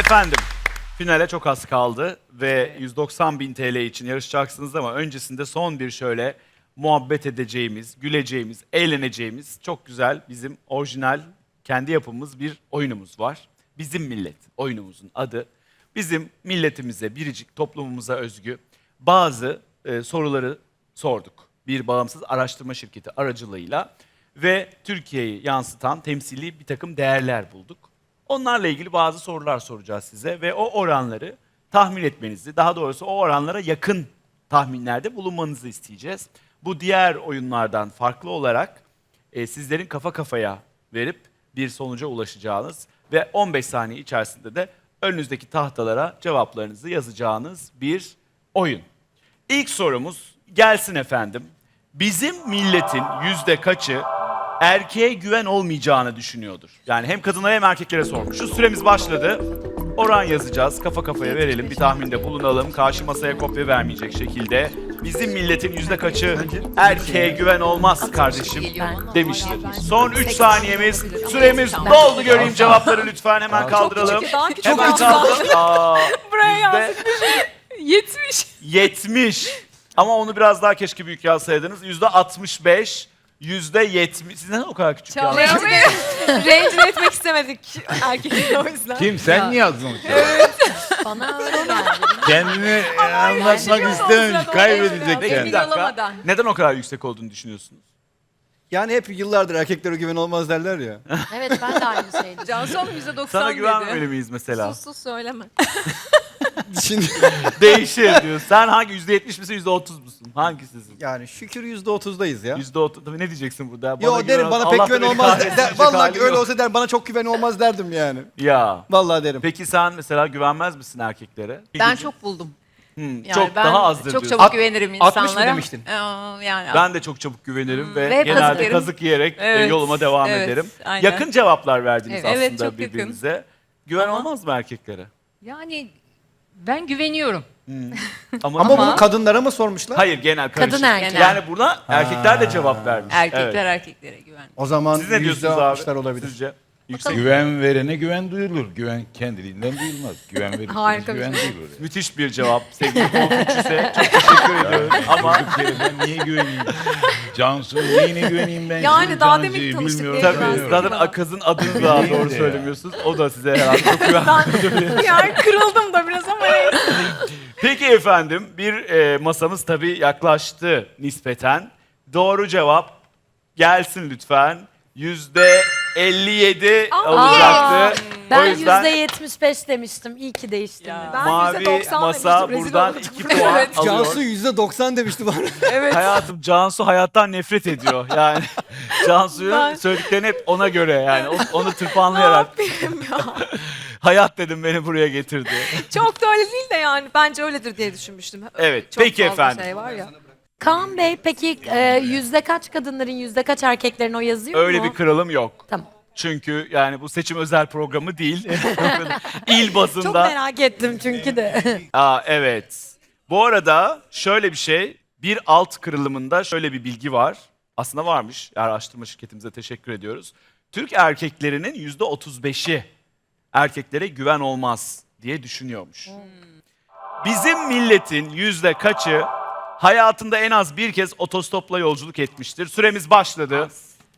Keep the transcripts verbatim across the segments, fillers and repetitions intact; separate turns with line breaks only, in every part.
Efendim, finale çok az kaldı ve yüz doksan bin T L için yarışacaksınız ama öncesinde son bir şöyle muhabbet edeceğimiz, güleceğimiz, eğleneceğimiz çok güzel bizim orijinal kendi yapımız bir oyunumuz var. Bizim Millet oyunumuzun adı. Bizim milletimize, biricik toplumumuza özgü bazı e, soruları sorduk. Bir bağımsız araştırma şirketi aracılığıyla ve Türkiye'yi yansıtan temsili bir takım değerler bulduk. Onlarla ilgili bazı sorular soracağız size ve o oranları tahmin etmenizi, daha doğrusu o oranlara yakın tahminlerde bulunmanızı isteyeceğiz. Bu diğer oyunlardan farklı olarak e, sizlerin kafa kafaya verip bir sonuca ulaşacağınız ve on beş saniye içerisinde de önünüzdeki tahtalara cevaplarınızı yazacağınız bir oyun. İlk sorumuz gelsin efendim. Bizim milletin yüzde kaçı erkeğe güven olmayacağını düşünüyordur? Yani hem kadınlara hem erkeklere sormuş. Şu süremiz başladı. Oran yazacağız. Kafa kafaya verelim. Bir tahminde bulunalım. Karşı masaya kopya vermeyecek şekilde. Bizim milletin yüzde kaçı erkeğe güven olmaz kardeşim demiştir. Son üç saniyemiz. Süremiz doldu. Göreyim cevapları lütfen. Hemen kaldıralım. Hemen kaldıralım. Aa,
Buraya
yüzde
yazmış. yetmiş.
yetmiş. Ama onu biraz daha keşke büyük yazsaydınız. Yüzde altmış beş. Yüzde yetmiş. Siz neden o kadar küçük yazdınız?
Rencide etmek istemedik erkekleri o yüzden.
Kim? Sen mi yazdın o şeyi?
Bana öyle geldi.
Kendini anlatmak
yani
istememiş,
olsa da
kaybedecek
Peki
yani.
bir dakika.
olamadan.
Neden o kadar yüksek olduğunu düşünüyorsunuz?
Yani hep yıllardır erkeklere güven olmaz derler ya.
Evet ben de aynı şeydim.
Cansu Hanım yüzde doksan
Sana
dedi.
güvenmemeli miyiz mesela?
Sus sus söyleme.
Şimdi
Değişir diyor. Sen hangi yüzde yetmiş misin, yüzde otuz musun? Hangisisin?
yani şükür yüzde otuzdayız ya.
Yüzde otuz. Tabii ne diyeceksin burada?
Yo
güven-
derim bana
Allah
pek
da
güven
beni
olmaz.
kahretsin
Der,
diyecek
vallahi
halim
öyle
yok.
olsa der bana çok güven olmaz derdim yani.
Ya.
Vallahi derim.
Peki sen mesela güvenmez misin erkeklere?
Ben çok buldum.
Hmm,
Yani
çok
ben
daha azdır
çok
diyorsun.
çabuk güvenirim insanlara.
altmış mı demiştin?
Ee, yani
Ben de çok çabuk güvenirim ve,
Ve hep
genelde
kazık yerim.
kazık yiyerek e,
Evet,
yoluma devam
evet,
ederim.
aynen.
Yakın cevaplar verdiniz
Evet, evet,
aslında
çok yakın.
birbirinize. Güven
Ama-
olmaz mı erkeklere?
Yani ben güveniyorum.
Ama,
Ama,
Ama-
bunu kadınlara mı sormuşlar?
hayır genel karışık.
Kadın erkek.
Yani buna erkekler de cevap vermiş.
erkekler
Evet.
erkeklere güven.
O zaman
Siz ne
yüzde
diyorsunuz
altmışlar
abi?
olabilir.
Sizce? Yüksek.
Güven verene güven duyulur. Güven kendiliğinden duyulmaz. Güven verirseniz
Harika bir
güven
şey.
duyulur. Yani.
Müthiş bir cevap sevgili Konfüçyüs'e. Çok teşekkür ediyorum. Ama
Durduk yere ben niye güveneyim? Cansu neyine güveneyim ben?
Yani
şimdi
daha
Cansu'yu
demin tanıştık
bilmiyorum,
diye
tabii
güveniyorum.
zaten Akaz'ın adını daha
Değil
doğru
de ya.
söylemiyorsunuz. O da size herhalde çok güven.
Yani kırıldım da biraz ama neyse.
Peki efendim bir e, masamız tabii yaklaştı nispeten. Doğru cevap gelsin lütfen. Yüzde elli yedi olacaktı. o
Ben
yüzden
yüzde yetmiş beş demiştim. İyi ki değiştim.
Ya.
ya.
Ben
mavi
yüzde doksan
masa
demiştim, rezil
buradan
oldum.
iki puan
Evet.
alıyor.
Cansu yüzde doksan demişti bana.
Evet.
Hayatım Cansu hayattan nefret ediyor. Yani Cansu'yu
Ben-
söylediklerini hep ona göre yani o- onu tırpanlayarak. Hayat dedim beni buraya getirdi.
Çok da öyle değil de yani bence öyledir diye düşünmüştüm.
Evet,
Çok
peki
fazla
efendim.
Şey var ya.
Kaan Bey peki e, yüzde kaç kadınların yüzde kaç erkeklerin o yazıyor
Öyle
mu?
bir kırılım yok.
Tamam.
Çünkü yani bu seçim özel programı değil. İl
Çok
bazında.
merak ettim çünkü de.
Aa, evet. Bu arada şöyle bir şey, bir alt kırılımında şöyle bir bilgi var. Aslında varmış. Araştırma şirketimize teşekkür ediyoruz. Türk erkeklerinin yüzde otuz beşi erkeklere güven olmaz diye düşünüyormuş. Bizim milletin yüzde kaçı hayatında en az bir kez otostopla yolculuk etmiştir? Süremiz başladı.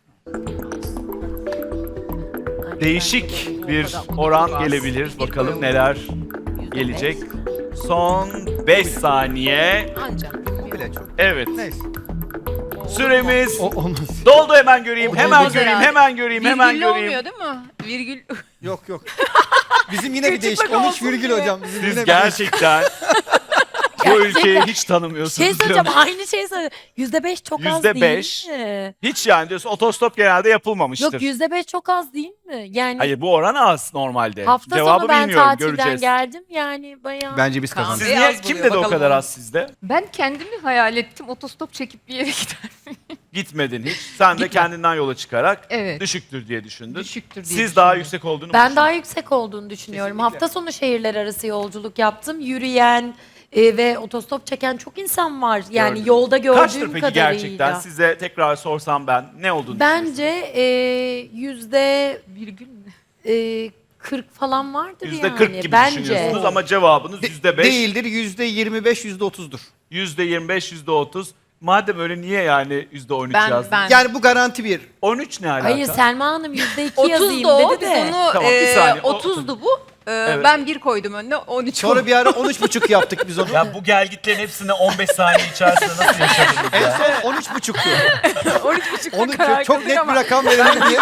Değişik bir oran gelebilir. Bakalım neler gelecek. Son beş saniye.
Ancak.
Bile çok.
Evet.
Neyse.
Süremiz
O olmaz.
doldu, hemen göreyim. Hemen
Olmaz
göreyim,
herhalde.
hemen göreyim, hemen
Virgüllü
göreyim.
olmuyor değil mi? Virgül.
Yok yok. Bizim yine bir
Küçük
değişik.
bak
on üç
olsun
virgül
diye.
hocam. Bizim
Siz
yine bir değişik.
gerçekten bu ülkeyi hiç tanımıyorsunuz.
Şey söyleyeceğim
diyorum.
aynı şeyi söyle. Yüzde beş çok az
Yüzde
değil
beş.
mi?
Hiç yani diyorsun otostop genelde yapılmamıştır.
Yok yüzde beş çok az değil mi? Yani
Hayır bu oran az normalde.
hafta
Cevabı
sonu ben
bilmiyorum,
tatilden
göreceğiz.
geldim yani bayağı.
Bence biz
Kaan
kazandık.
Siz
Bey
niye,
az
kim
buluyor,
dedi o
bakalım
kadar
onu.
az sizde?
Ben kendimi hayal ettim. Otostop çekip bir yere gider.
Gitmedin hiç. Sen de kendinden yola çıkarak
Evet.
düşüktür diye düşündün.
Düşüktür diye
Siz daha
düşündüm.
yüksek olduğunu mu
Ben
düşündünüz?
daha yüksek olduğunu düşünüyorum. Hafta sonu şehirler arası yolculuk yaptım. Yürüyen e, ve otostop çeken çok insan var. Yani
Gördüm.
yolda gördüğüm
Kaçtır peki
kadarıyla.
gerçekten? Size tekrar sorsam ben ne olduğunu
Bence e, yüzde
Virgül mü?
e, kırk falan vardır
Yüzde
yani.
kırk gibi
bence.
düşünüyorsunuz ama cevabınız
De-
yüzde beş.
Değildir. yüzde yirmi beş, yüzde otuzdur.
Yüzde yirmi beş, yüzde otuz. Madem öyle niye yani yüzde on üç
Ben
yazdın?
ben
Yani bu garanti bir.
on üç ne alaka?
Hayır Selma Hanım yüzde iki
otuz
yazayım
da o.
dedi
Biz
de.
onu
Tamam, bir
e,
saniye, o-
otuzdu bu. E,
Evet.
Ben bir koydum önüne on üç
Sonra bir ara on üç buçuk yaptık biz onu.
Ya bu gelgitlerin hepsini on beş saniye içerisinde nasıl yaşadınız
En
ya?
son on üç buçuktu.
on üç buçukta
Onu
karar
çok
kıldık
net
ama
bir rakam verelim diye.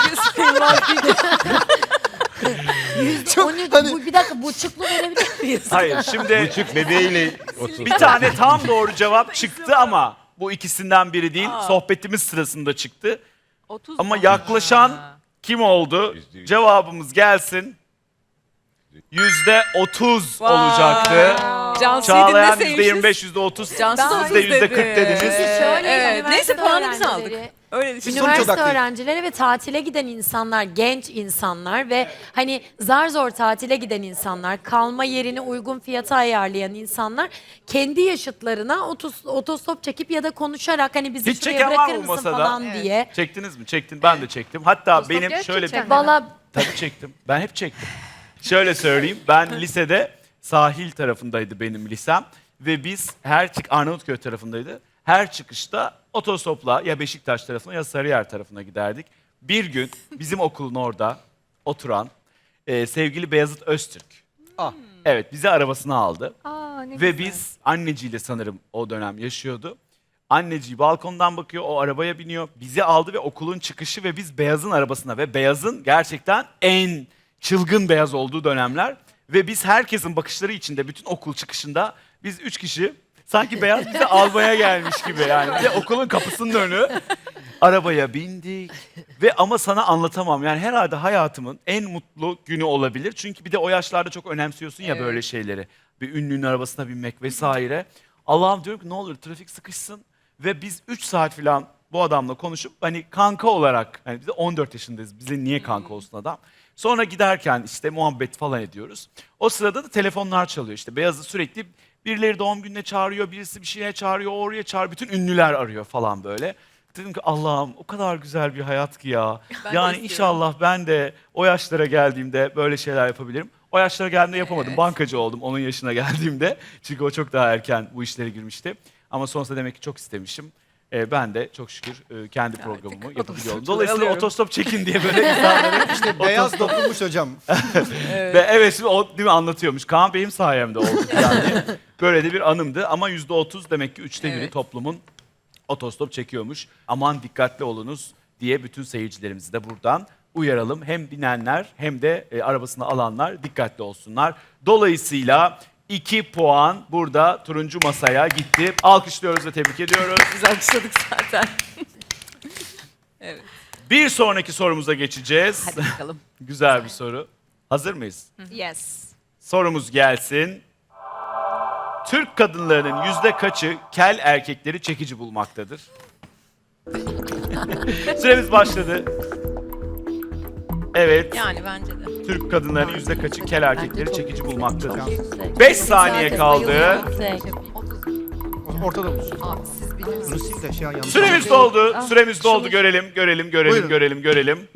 Yüzde on üç,
hani-
bu, bir dakika buçuklu verebilir miyiz?
Hayır şimdi
Buçuk bebeğiyle otur.
bir tane tam doğru cevap çıktı ama bu ikisinden biri değil. Sohbetimiz sırasında çıktı.
otuz
Ama
mu?
yaklaşan
Ha.
kim oldu?
Yüzde yüz.
Cevabımız gelsin. Yüzde otuz olacaktı.
Cansu'yu
Çağlayan yüzde
dinleseymişiz.
yirmi beş, yüzde otuz.
Cansu da
Siz de
otuz
yüzde kırk
dedi.
dediniz.
Çünkü şöyle
Evet,
üniversite
neyse puanı biz aldık.
öğrencileri-
Öyle düşün.
Sonuç
Üniversite
odaklıyız.
öğrencileri ve tatile giden insanlar, genç insanlar ve hani zar zor tatile giden insanlar, kalma yerini uygun fiyata ayarlayan insanlar kendi yaşıtlarına otos, otostop çekip ya da konuşarak hani bizi
Hiç
şuraya
çeken var
bırakır
mı
mısın
masada?
falan
Evet.
diye.
Çektiniz mi? Çektin. Ben de çektim. Hatta
Mustafa
benim
gerçekten
şöyle bir...
mi?
Valla
Tabii çektim. Ben hep çektim. Şöyle söyleyeyim. Ben lisede sahil tarafındaydı benim lisem. Ve biz her çık Arnavutköy tarafındaydı. Her çıkışta otostopla ya Beşiktaş tarafına ya Sarıyer tarafına giderdik. Bir gün bizim okulun orada oturan e, sevgili Beyazıt Öztürk.
Ah.
Evet bizi arabasına aldı.
Aa, ne
Ve
güzel.
biz anneciyle sanırım o dönem yaşıyordu. Anneciği balkondan bakıyor, o arabaya biniyor. Bizi aldı ve okulun çıkışı ve biz Beyaz'ın arabasına ve Beyaz'ın gerçekten en çılgın Beyaz olduğu dönemler. Ve biz herkesin bakışları içinde bütün okul çıkışında biz üç kişi sanki Beyaz bizi almaya gelmiş gibi yani. Ve okulun kapısının önü arabaya bindik ve ama sana anlatamam. Yani herhalde hayatımın en mutlu günü olabilir. Çünkü bir de o yaşlarda çok önemsiyorsun ya böyle şeyleri. Bir ünlünün arabasına binmek vesaire. Allah'ım diyorum ki ne olur trafik sıkışsın. Ve biz üç saat falan bu adamla konuşup hani kanka olarak, hani biz de on dört yaşındayız. Bize niye kanka olsun adam? Sonra giderken işte muhabbet falan ediyoruz. O sırada da telefonlar çalıyor işte. Beyaz'ı sürekli birileri doğum gününe çağırıyor, birisi bir şeye çağırıyor, oraya çağırıyor. Bütün ünlüler arıyor falan böyle. Dedim ki Allah'ım o kadar güzel bir hayat ki ya.
Ben de
yani
istiyorum.
inşallah ben de o yaşlara geldiğimde böyle şeyler yapabilirim. O yaşlara geldiğimde yapamadım. Bankacı oldum onun yaşına geldiğimde. Çünkü o çok daha erken bu işlere girmişti. Ama sonrasında demek ki çok istemişim. Ee, ben de çok şükür e, kendi programımı yapabiliyorum. Dolayısıyla
alıyorum.
otostop çekin diye böyle insanları
İşte beyaz dokunmuş hocam.
ve evet şimdi o değil mi anlatıyormuş. Kaan benim sayemde oldu yani. Böyle de bir anımdı ama yüzde otuz demek ki üçte biri
Evet.
toplumun otostop çekiyormuş. Aman dikkatli olunuz diye bütün seyircilerimizi de buradan uyaralım. Hem binenler hem de e, arabasını alanlar dikkatli olsunlar. Dolayısıyla iki puan burada turuncu masaya gitti. Alkışlıyoruz ve tebrik ediyoruz.
Biz alkışladık zaten. Evet.
Bir sonraki sorumuza geçeceğiz.
Hadi bakalım.
Güzel bir soru. Hazır mıyız?
Yes.
Sorumuz gelsin. Türk kadınlarının yüzde kaçı kel erkekleri çekici bulmaktadır? Süremiz başladı. Evet,
Yani bence de.
Türk kadınlarının yüzde kaçı kel erkekleri
çok
çekici
yüksek,
bulmaktadır?
çok yüksek.
Beş saniye
Herkes
kaldı.
bayılıyor, yüksek.
Ortada bulsun.
Abi siz bilirsiniz.
Bunu sil de şey yanlış.
Süremiz doldu. Süremiz doldu. Görelim, görelim, görelim,
Buyurun.
görelim, görelim.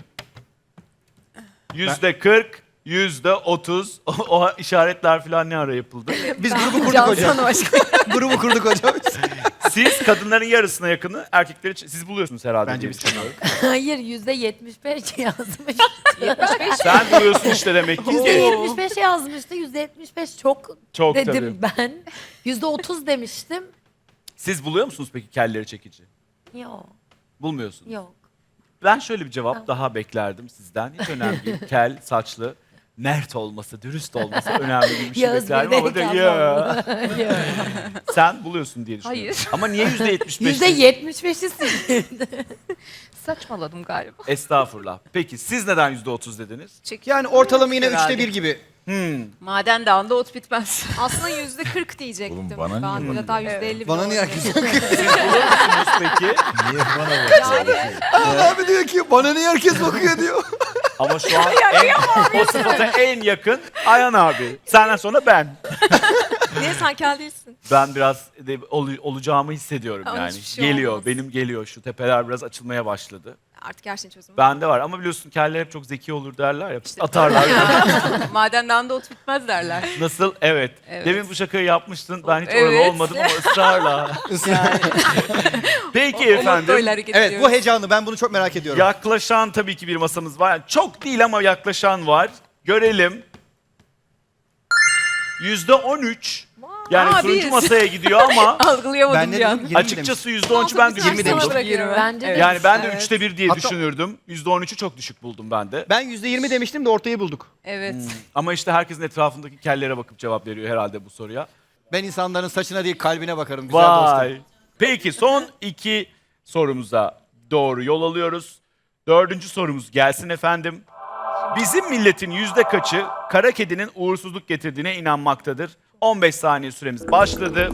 Yüzde kırk, yüzde otuz. O, o işaretler falan ne ara yapıldı?
Biz grubu kurduk
Cansu
hocam.
Hanım aşkım.
Grubu kurduk hocam.
Siz kadınların yarısına yakını erkekleri ç- siz buluyorsunuz herhalde.
Bence
diye
biz
düşünüyorum.
Hayır yüzde yetmiş beş yazmış.
Sen buluyorsun işte demek ki.
Yüzde yetmiş beş yazmıştı. Yüzde yetmiş beş çok,
Çok
dedim ben. Yüzde otuz demiştim.
Siz buluyor musunuz peki kelleri çekici?
Yok,
Bulmuyorsunuz.
yok.
Ben şöyle bir cevap daha beklerdim sizden. Hiç önemli değil. Kel, saçlı, mert olması, dürüst olması önemli bir şey
Yağız
beklerdim ama de,
Bey'deyken
ya.
Yok.
Sen buluyorsun diye düşünüyorum.
Hayır.
Ama niye yüzde yetmiş beş?
Yüzde yetmiş beşi sildi.
Saçmaladım galiba.
Estağfurullah. Peki siz neden yüzde otuz dediniz?
Yani ortalama yine
Herhalde.
üçte bir gibi.
Hmm.
Maden dağında ot bitmez.
Aslında yüzde kırk diyecektim.
Oğlum bana niye
ben
bana
hatta yüzde elli
Bana niye herkes bakıyor?
Siz buluyor musunuz peki?
Niye bana bakıyorsun?
Abi diyor ki bana niye herkes bakıyor diyor.
Ama şu an en, o sıfata en yakın Ayhan abi. Senden sonra ben.
Niye sen kel değilsin?
Ben biraz de ol- olacağımı hissediyorum
Ama
yani.
hiçbir şey
Geliyor,
olmaz.
benim geliyor. Şu tepeler biraz açılmaya başladı.
Artık her şeyin çözümü.
Bende var ama biliyorsun keller hep çok zeki olur derler ya. Atarlar.
Madenden de ot bitmez derler.
Nasıl? Evet.
Evet.
Demin bu şakayı yapmıştın. Ben hiç
Evet.
oralı olmadım ama ısrarla. Peki efendim.
Evet bu heyecanlı, ben bunu çok merak ediyorum.
Yaklaşan tabii ki bir masamız var. Yani çok değil ama yaklaşan var. Görelim. Yüzde on üç. Yani
Aa,
turuncu
biz.
masaya gidiyor ama
Algılayamadım
Ben de
bir an.
dedim, yirmi
açıkçası yüzde on üçü ben
Altı
düşük
bir
buldum.
sana bırakıyorum.
Bence de.
Yani ben de
Evet.
üçte bir diye
Hatta-
düşünürdüm. Yüzde on üçü çok düşük buldum ben de.
Ben yüzde yirmi demiştim de ortayı bulduk.
Evet.
Ama işte herkesin etrafındaki kellere bakıp cevap veriyor herhalde bu soruya.
Ben insanların saçına değil kalbine bakarım güzel dostum.
Vay. Peki son iki sorumuza doğru yol alıyoruz. Dördüncü sorumuz gelsin efendim. Bizim milletin yüzde kaçı kara kedinin uğursuzluk getirdiğine inanmaktadır? on beş saniye süremiz başladı.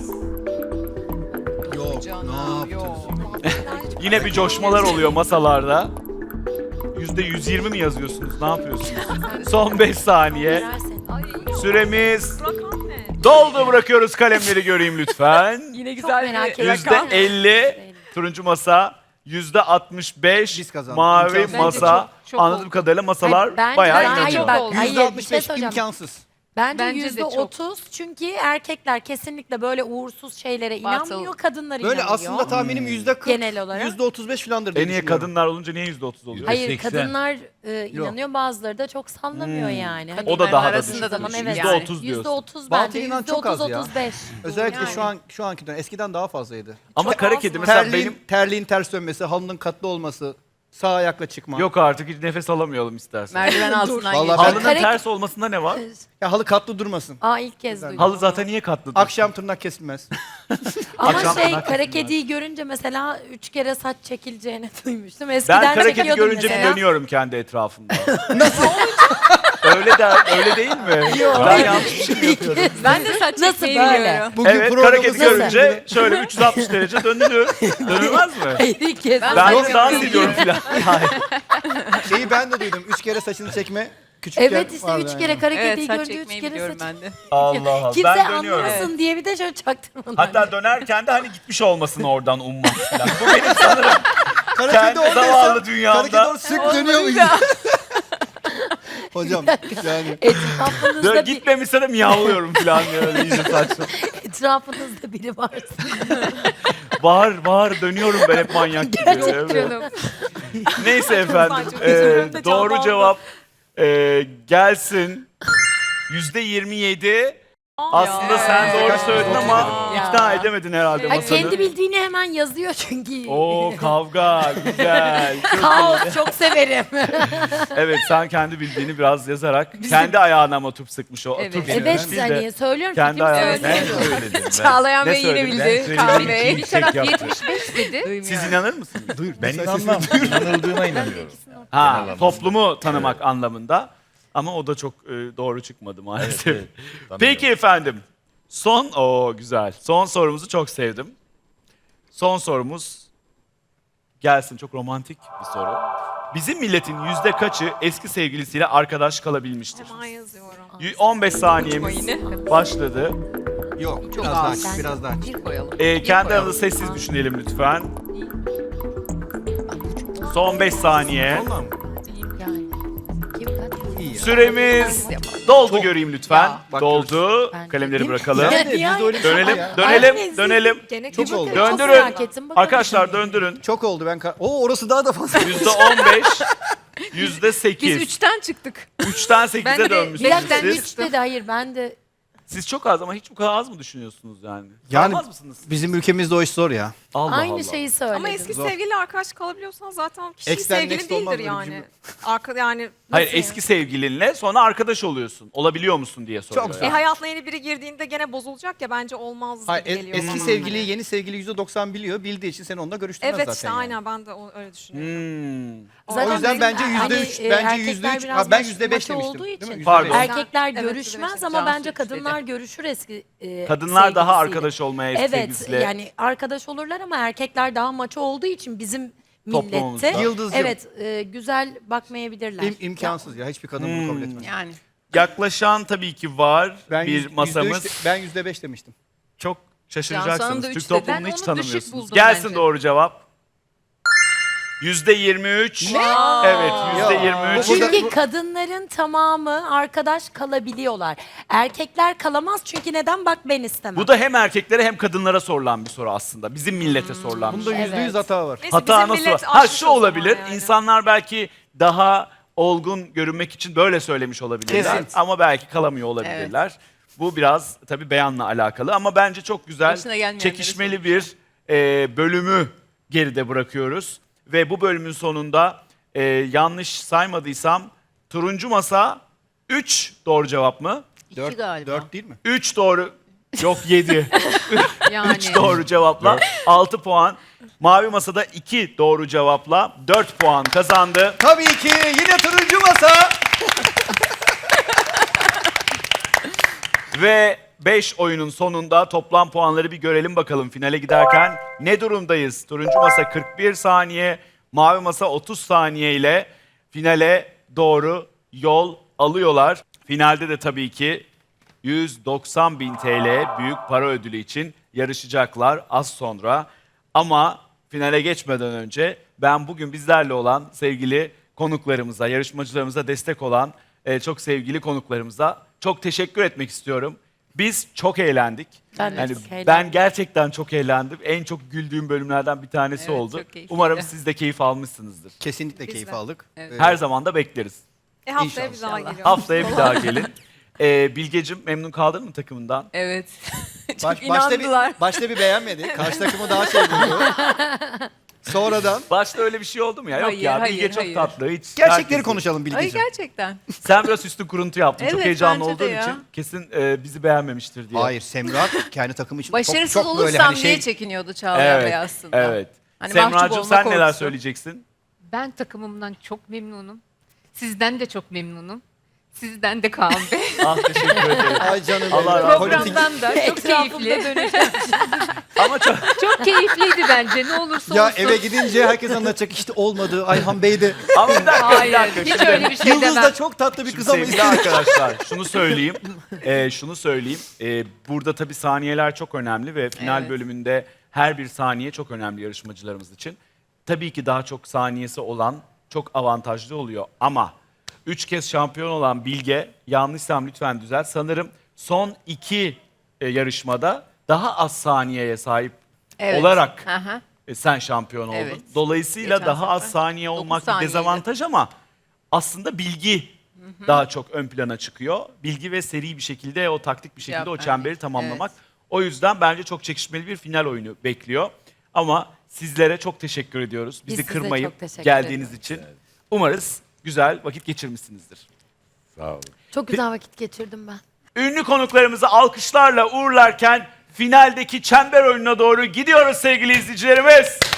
Yok,
Canım, yok.
Yine bir coşmalar oluyor masalarda. yüzde yüz yirmi mi yazıyorsunuz? Ne yapıyorsunuz? Son beş saniye.
Verersin.
Süremiz
Rakam ne?
doldu, bırakıyoruz kalemleri göreyim lütfen.
Yine
Çok
güzel
merak
bir
ediyorum.
Yüzde elli turuncu masa, yüzde altmış beş
Biz kazandık.
mavi
İmkansız.
masa.
Bence çok- çok
Anladığım
oldu.
kadarıyla masalar
Hayır, bence-
bayağı
Hayır,
inanıyor.
çok
bak,
oldu.
hayır,
yüzde
bir
altmış
şey
beş
söyleyeceğim.
imkansız.
Bence
Bence de
yüzde
çok.
otuz çünkü erkekler kesinlikle böyle uğursuz şeylere
Batıl.
inanmıyor, kadınlar
Böyle
inanıyor.
aslında tahminim yüzde kırk,
Genel olarak.
yüzde otuz beş falandır diye
E niye
düşünüyorum.
kadınlar olunca niye yüzde otuz oluyor?
Hayır
seksen.
kadınlar e, inanıyor, bazıları da çok sallamıyor yani. Hani
O da daha da
arasında
düşük.
da
zaman
düşük
evet.
Yüzde otuz
Yüzde
diyorsun.
otuz
Batıl
bence.
inan
Yüzde
çok az
otuz
ya.
otuz beş.
Özellikle
Yani.
şu an şu anki dönem. Eskiden daha fazlaydı.
Ama
Çok
kara
az
kedi
mı?
mesela
Terliğin,
benim...
terliğin ters dönmesi, halının katlı olması, sağ ayakla çıkma.
Yok artık hiç nefes alamıyorum istersen.
merdiven altından
Vallahi
geçiyor.
ben-
Halının
Kara-
ters olmasında ne var?
Ya halı katlı durmasın.
Aa ilk kez duydum.
Halı zaten niye katlı?
Akşam tırnak kesilmez.
Ama
Akşam
şey
tırnak
kara
kesilmez.
kediyi görünce mesela üç kere saç çekileceğini duymuştum. Eskiden
Ben kara kedi
çekiyordum
görünce bir
mesela.
dönüyorum kendi etrafımda. Nasıl? öyle de öyle değil mi? Ben yanlış bir şey mi yapıyorum?
Ben de saç
Nasıl
çekmeyi
böyle?
biliyorum.
Bugün
Evet, kara
programımızda-
kedi görünce şöyle üç yüz altmış derece dönülür. Dönülmez mi?
Hayır ilk kez.
Ben-
Ben
Yok,
de dans
yok.
ediyorum filan. Hayır.
Şeyi ben de duydum. Üç kere saçını çekme. Küçükken
Evet işte
vardı
üç
yani.
kere kara
Evet
kediyi
saç
görünce üç
çekmeyi
kere
biliyorum
saç.
ben de.
Allah Allah.
Kimse
Ben dönüyorum.
anlamasın diye bir de şöyle çaktırmadan.
Hatta dönerken de hani gitmiş olmasın oradan ummak falan. Bu benim sanırım
Kara
kendi
kedi oradaysa,
zavallı dünyamda.
Kara kedi orada sık dönüyor muyuz? Hocam yani.
Etrafınızda,
Dön,
bir,
gitmemişse de miyavlıyorum falan diye öyle iyice saçma.
etrafınızda biri varsa.
Bağır bağır dönüyorum ben hep manyak gibi. Evet.
Canım.
Neyse efendim.
çok
e,
üzülüyorum da
doğru
canlandı.
cevap e, gelsin. Yüzde yirmi yedi. Aslında
Ya.
sen doğru
Kaç
söyledin
yüzde
ama
otuz yedi.
ikna edemedin herhalde
Ha,
masanı.
kendi bildiğini hemen yazıyor çünkü.
Oo kavga güzel. Çok iyi.
Kaos çok severim.
Evet sen kendi bildiğini biraz yazarak kendi ayağına ama turp sıkmış o.
Evet.
turp
Evet
sıkmış. Biz de
hani söylüyorum
kendi
fikrimi
ayağına-
söylüyorum.
Ben söyledim ben.
Çağlayan
Ne
Bey yine
söyledin?
Ben
bildi.
söyledim.
Kaan Bey.
Bir
Bir taraf
yaptı.
yetmiş beş dedi.
Siz inanır mısınız?
Ben inanmam. İnanıldığına inanıyorum.
Ha,
Genel anlamda.
toplumu tanımak anlamında. Ama o da çok e, doğru çıkmadı maalesef.
Evet, evet. Tanıyorum.
Peki efendim. Son, o güzel. Son sorumuzu çok sevdim. Son sorumuz gelsin. Çok romantik bir soru. Bizim milletin yüzde kaçı eski sevgilisiyle arkadaş kalabilmiştir?
Hemen yazıyorum.
Y- on beş saniyemiz başladı.
Yok
Çok
biraz daha
az.
açık, biraz daha açık.
Bir koyalım.
Ee, kendi
koyalım.
aranızda sessiz düşünelim lütfen. Son beş saniye.
Vallahi mi?
Yani. Kim kaç?
İyi ya.
Süremiz doldu
Çok-
göreyim lütfen.
Ya, bak
doldu.
Ben
Kalemleri
dedim.
bırakalım.
Ya,
Nerede? Biz de öyle bir şey
Dönelim,
ya.
dönelim,
Ay,
dönelim.
Gene
Çok
kim
oldu.
bakıyor?
Çok
Döndürün.
merak ettim, bakalım.
Arkadaşlar döndürün.
Çok oldu ben. ka- Oo orası daha da fazla.
Yüzde on beş, yüzde
Biz
sekiz.
üçten çıktık.
Üçten
Ben
sekize
de
Bir
dönmüşsünüz
dakika
siz.
üç dedi hayır ben de.
Siz çok az ama hiç bu kadar az mı düşünüyorsunuz yani?
Yani
Sarmaz mısınız?
bizim ülkemizde o iş zor ya.
Allah
Aynı
Allah.
şeyi söyledim.
Ama eski
Zor.
sevgiliyle arkadaş kalabiliyorsan zaten kişi
Ex'ten
sevgilin
next olmaz
değildir
böyle bir
yani.
cümle.
Arka, yani
Hayır
Nasıl
eski sevgilinle sonra arkadaş oluyorsun. Olabiliyor musun diye soruyor.
Çok
e,
yani.
hayatına yeni biri girdiğinde gene bozulacak ya bence olmaz
Hayır,
gibi
es-
geliyor.
eski
bana.
sevgiliyi yeni sevgili yüzde doksan biliyor. Bildiği için seni onunla görüştürmez
Evet
zaten.
işte
yani.
aynen ben de o- öyle düşünüyorum.
Hmm.
O yüzden
bizim
bence
hani,
yüzde üç,
e,
bence
erkekler
yüzde üç.
biraz
Ha, ben
maç-
yüzde beş
maçı
demiştim.
olduğu
Değil mi?
için.
Yüzde
Pardon.
beş.
Erkekler
Evet,
görüşmez
evet,
ama
Cansu
bence
üç
kadınlar görüşür eski e,
Kadınlar daha
sevgilisiyle.
arkadaş olmaya eski
Evet
sevgilisiyle.
yani arkadaş olurlar ama erkekler daha maço olduğu için bizim
Toplumumuzda.
millette
Yıldızcığım.
evet e, güzel bakmayabilirler.
İm- imkansız ya. Hiçbir kadın bunu kabul
Hmm.
etmez.
Yani.
yaklaşan tabii ki var
Ben
bir
yüz- yüzde üç
masamız.
de- ben yüzde beş demiştim.
Çok
Cansu Hanım
şaşıracaksınız.
da
Türk
üç dedi.
toplumunu
Ben
hiç
onu düşük
tanımıyorsunuz.
buldum
Gelsin
bence.
doğru cevap. Yüzde yirmi üç. Evet, yüzde yirmi üç.
Bu da-
Çünkü kadınların tamamı arkadaş kalabiliyorlar. Erkekler kalamaz çünkü neden? Bak ben istemem.
Bu da hem erkeklere hem kadınlara sorulan bir soru aslında. Bizim millete sorulan bir
Bunda
soru.
yüzde yüz
Evet.
hata var.
Neyse,
Hata
bizim
nasıl?
millet
Ha
aşmış
şu
o zaman
olabilir.
yani.
İnsanlar belki daha olgun görünmek için böyle söylemiş olabilirler.
Kesin.
Ama belki kalamıyor olabilirler. Bu biraz tabii beyanla alakalı ama bence çok güzel,
Başına gelmeyenleri
çekişmeli bir e, bölümü geride bırakıyoruz. Ve bu bölümün sonunda e, yanlış saymadıysam turuncu masa üç doğru cevap mı?
Dört,
galiba.
dört değil mi?
üç doğru, yok yedi.
Yani.
üç doğru cevapla altı puan. Mavi masada iki doğru cevapla dört puan kazandı.
Tabii ki yine turuncu masa.
Ve beş oyunun sonunda toplam puanları bir görelim bakalım finale giderken ne durumdayız? Turuncu masa kırk bir saniye, mavi masa otuz saniye ile finale doğru yol alıyorlar. Finalde de tabii ki yüz doksan bin T L büyük para ödülü için yarışacaklar az sonra. Ama finale geçmeden önce ben bugün bizlerle olan sevgili konuklarımıza, yarışmacılarımıza destek olan e, çok sevgili konuklarımıza çok teşekkür etmek istiyorum. Biz çok eğlendik.
Ben de
Yani
çok eğlendim.
ben gerçekten çok eğlendim. En çok güldüğüm bölümlerden bir tanesi
Evet,
oldu.
çok keyifliydi.
Umarım siz de keyif almışsınızdır.
Kesinlikle
Biz
keyif
de.
aldık.
Evet.
Ee,
Her zaman da bekleriz.
E haftaya bir daha
İnşallah.
geliyorum.
Haftaya bir daha gelin. Ee, Bilgecim memnun kaldın mı takımından?
Evet.
baş- başta,
inandılar.
bir, başta bir beğenmedi. Karşı takımı daha şey buldu. Sonradan
Başta öyle bir şey oldu mu ya? Yok
Hayır,
ya
hayır,
Bilge çok
hayır.
tatlı. Hiç
gerçekleri
herkes-
konuşalım
Ay
Bilgeciğim.
gerçekten.
Sen biraz üstü kuruntu yaptın. çok
Evet,
heyecanlı
bence de
olduğun
ya.
için kesin e, bizi beğenmemiştir diye.
Hayır Semra kendi takımı için
Başarısız
çok, çok böyle
olursam
hani
diye
şey
çekiniyordu Çağlayan
Evet.
Bey aslında.
Evet.
Hani mahcup
Semracığım
olma
sen neler
korkusu.
söyleyeceksin?
Ben takımımdan çok memnunum. Sizden de çok memnunum. Sizden de Kaan Bey.
Ah teşekkür ederim.
Ay canım
Allah
benim.
razı
Politik-
Programdan da çok
Etrafımda
keyifli.
Ama çok,
Çok keyifliydi bence ne olursa
Ya
olsun.
eve gidince herkes anlatacak işte olmadı. Ayhan Bey de.
ama bir dakika, bir
Hayır
dakika.
hiç
Şimdi-
öyle bir şey
Yıldız
demem.
da çok tatlı bir
Şimdi
kız ama
sevgili
işte.
arkadaşlar şunu söyleyeyim. Ee, şunu söyleyeyim. Ee, burada tabii saniyeler çok önemli ve final
Evet.
bölümünde her bir saniye çok önemli yarışmacılarımız için. Tabii ki daha çok saniyesi olan çok avantajlı oluyor ama üç kez şampiyon olan Bilge, yanlışsam lütfen düzelt. Sanırım son iki e, yarışmada daha az saniyeye sahip
Evet.
olarak
Aha.
e, sen şampiyon oldun.
Evet.
Dolayısıyla
Geçen
daha az
sefer
saniye
dokuz
olmak bir
saniyeydi.
dezavantaj ama aslında bilgi daha çok ön plana çıkıyor. Bilgi ve seri bir şekilde o taktik bir şekilde
Cevap
o
vermek.
çemberi tamamlamak.
Evet.
O yüzden bence çok çekişmeli bir final oyunu bekliyor. Ama sizlere çok teşekkür ediyoruz. Bizi
Biz size
kırmayıp
çok teşekkür
geldiğiniz için. Umarız güzel vakit geçirmişsinizdir.
Sağ olun.
Çok güzel vakit geçirdim ben.
Ünlü konuklarımızı alkışlarla uğurlarken finaldeki çember oyununa doğru gidiyoruz sevgili izleyicilerimiz.